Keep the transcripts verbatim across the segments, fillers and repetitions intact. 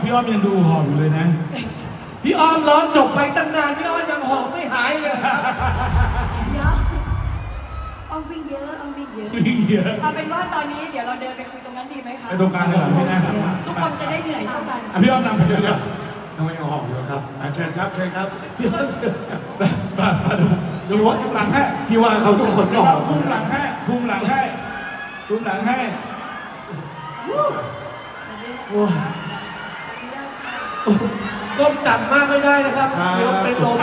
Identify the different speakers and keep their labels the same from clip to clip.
Speaker 1: พี่อ้อมยังดูหอบอยู่เลยนะ
Speaker 2: พี่อ้อมร้องจบไปตั้งนานพี่อ้อมยังหอบไม่หายเลยครับ
Speaker 3: เดี๋ยวอ้อมวิ่งเยอะอ้อมวิ่งเยอะ
Speaker 1: วิ่งเยอะ
Speaker 3: เอาเป็นว่าตอนนี้เดี๋ยวเราเดินไปคุยตรงนั้นดีไหมคะ
Speaker 1: ไปตรงกลางเลยเหรอไม่น่า
Speaker 3: ทุกคนจะได้เหนื่อยเท่ากัน
Speaker 1: อ่ะพี่อ้อมนำไปเดี๋ยว
Speaker 2: ทำไมยังหอบอยู่ครับเชิญครับเชิญครับพี่อ้อมเชิญ
Speaker 1: มามาดูดูว่าคุมหลังให้
Speaker 2: พี่ว่าเขาทุกคนก็หอบ
Speaker 1: คุมหลังให้คุมหลังให้คุมหลังให้
Speaker 2: โอ้ยก้มต่ำมากไม่ได้นะครับเดี๋ยวเป็นลม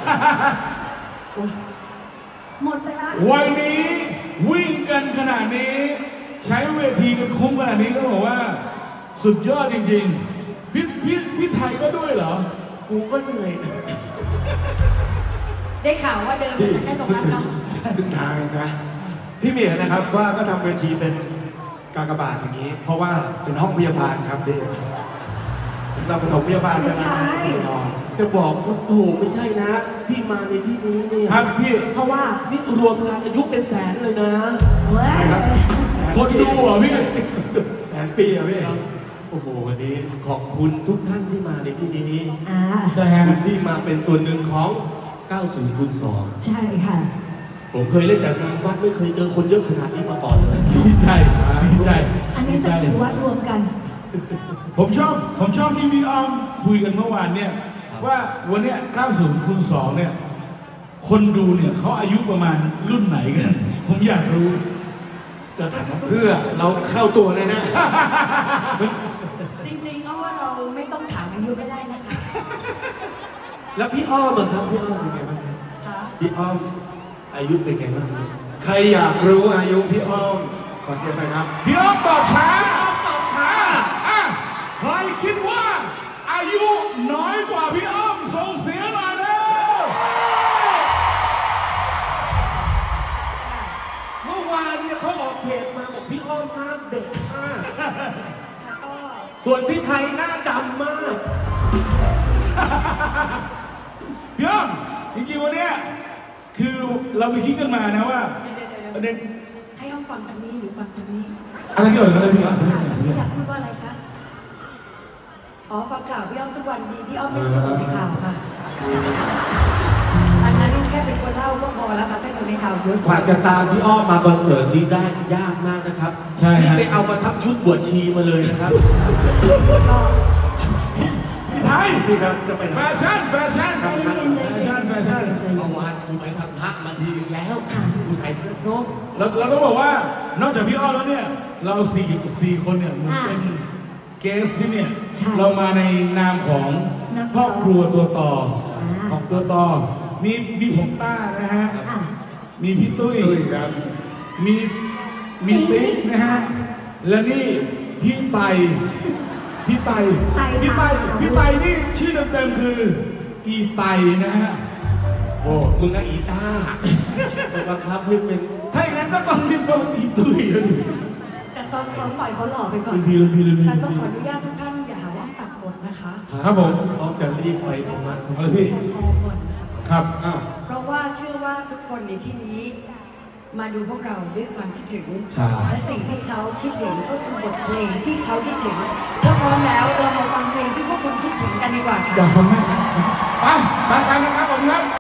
Speaker 3: หมดไปละ
Speaker 1: วัยนี้วิ่งกันขนาดนี้ใช้เวทีกันคุ้มขนาดนี้ก็บอกว่าสุดยอดจริงๆพี่พี่พี่ไทยก็ด้วยเหรอ
Speaker 2: กูก็เหนื่อย
Speaker 3: ได้ข่าวว่าเดินไปแค่ตรงนั้นเนาะ
Speaker 2: ถึงทางนะพี่เมียนะครับว่าก็ทำเวทีเป็นกากบาทอย่างนี้ เพราะว่าเป็นห้องพยาบาลครับพี่สำหรับปฐมพยาบาล
Speaker 3: ไม่ใช่
Speaker 2: จะบอกว่าโอ้โหไม่ใช่นะ ที่มาในที่นี้เนี่ย
Speaker 1: ครับพี่
Speaker 3: เพราะว่า
Speaker 2: นี่รวมกันอายุเป็นแสนเลยนะ
Speaker 3: เว้ย
Speaker 1: คนดูเหรอพี่
Speaker 2: แสนปีอะพี่โอ้โหวันนี้ขอบคุณทุกท่านที่มาในที่นี้
Speaker 3: อ่า
Speaker 1: แซม
Speaker 2: ที่มาเป็นส่วนหนึ่งของเก้าสิบคูณสอง
Speaker 3: ใช่ค่ะ
Speaker 2: ผมเคยเล่นแต่งานวัดไม่เคยเจอคนเยอะขนาดนี้มาก่อนเลย
Speaker 1: ดีใจดีใจ
Speaker 3: อันนี้จะถือวัดรวมกัน
Speaker 1: ผมชอบผมชอบที่พี่อ้อมคุยกันเมื่อวานเนี่ยว่าวันเนี้ยเก้าสิบคูณสองเนี่ยคนดูเนี่ยเขาอายุประมาณรุ่นไหนกัน ผมอยากรู้
Speaker 2: จะถามเพื่อเราเข้าตัวเลยนะ
Speaker 3: จริงๆก็ว่าเราไม่ต้องถามอายุก็ได้นะคะ
Speaker 2: แล้วพี่อ้อมอะครับพี่อ้อมเป็นไงบ้างครับ
Speaker 3: ค่ะ
Speaker 2: พี่อ้อมอายุเป็นไงบ้างครับใครอยากรู้อายุพี่อ้อมขอเสียงหน่อยครับ
Speaker 1: พี่อ้อมตอบช้าตอบช้าอ่ะใครคิดว่าอายุน้อยกว่าพี่อ้อมส่งเสียงหน่อยเร็ว
Speaker 2: เมื่อวานเนี่ยเขาออกเพจมาบอกพี่อ้อมหน้าเด็กมาก
Speaker 3: ค่ะก็
Speaker 2: ส่วนพี่ไทยหน้าดำมาก
Speaker 1: พี่อ้อมจริงๆวันเนี้ยคือเราไปคิดกันมานะว่า
Speaker 3: เดี๋ยวๆๆ
Speaker 1: ประเด็น
Speaker 3: ให้อ้อมฟังทางนี้หรือฟังทางนี้
Speaker 1: อะไรเกี่ยวกับอะไรพี่อ้อม
Speaker 3: ค่ะพี่อยากพูดว่าอะไรคะ อ๋อฟังข่าวพี่อ้อมทุกวันดีที่อ้อมไม่ได้อยู่ในข่าวค่ะ อันนั้นแค่เป็นคนเล่าก็พอแล้วค่ะถ้าอยู่ในข่าวเยอะสุด
Speaker 2: กว่าจะตามพี่อ้อมมาคอนเสิร์ตนี้ได้ยากมากนะครับ
Speaker 1: ใช่ฮะ
Speaker 2: นี่ไปเอามาทับชุดบวชชีมาเลยนะครับ
Speaker 3: ก็
Speaker 1: พี่ไทย
Speaker 2: พี่ครับจะไป
Speaker 1: แฟชั่นแฟชั่น
Speaker 3: ใจเย็นใจ
Speaker 1: แฟ
Speaker 3: เย็
Speaker 1: ชั่น
Speaker 3: น
Speaker 1: แฟชั่น
Speaker 2: เมื่อวานกูไปทำพระมาทีแล้วกูใส่เสื้อส้ม
Speaker 1: เราเราต้องบอกว่านอกจากพี่อ้อมแล้วเนี่ยเราสี่สี่คนเนี่ยเหมันเป็นเกสที่เนี่ยเรามาในนามของครอบครัวตัวต่อของตัวต่อมีมีผมต้านะฮะ
Speaker 3: อ่ะ
Speaker 1: มีพี่ตุ้ย
Speaker 2: ตุ้ยครับ
Speaker 1: มีมีติ๊กนะฮะและนี่พี่ไตพี่ไต
Speaker 3: ไต
Speaker 1: พี่ไต
Speaker 3: ค่ะ
Speaker 1: พี่ไตนี่ชื่อเต็มๆคืออีไตนะฮะ
Speaker 2: โอ้มึงนะอีต้าบังคับให้เป็น
Speaker 1: ถ้าอย่างนั้นก็ต้องเรียกว่าอีตุ้ยแล้วสิ
Speaker 3: แต่ตอนเขาปล่อยเขาหล่อไปก่อน
Speaker 1: รุ่นพี่รุ่นพี่รุ่นพี่
Speaker 3: แต่ต้องขออนุญาตทุกท่านอย่าหาว่าอ้อมตัดบทนะคะ
Speaker 1: ครับผม
Speaker 2: อ้อมจะรีบไปธรรมะ
Speaker 1: เออพี่
Speaker 3: พอก่อนนะคะ
Speaker 1: ครับอ้าว
Speaker 3: เพราะว่าเชื่อว่าทุกคนในที่นี้ มาดูพวกเราด้วยความคิดถึง และสิ่งที่เขาคิดถึงก็คือบทเพลงที่เขาคิดถึงถ้าพร้อมแล้วเรามาฟังเพลงที่พวกคุณคิดถึงกันดีกว่าค่ะ
Speaker 1: อยากฟังไหมไปไปฟังกันครับผมครับ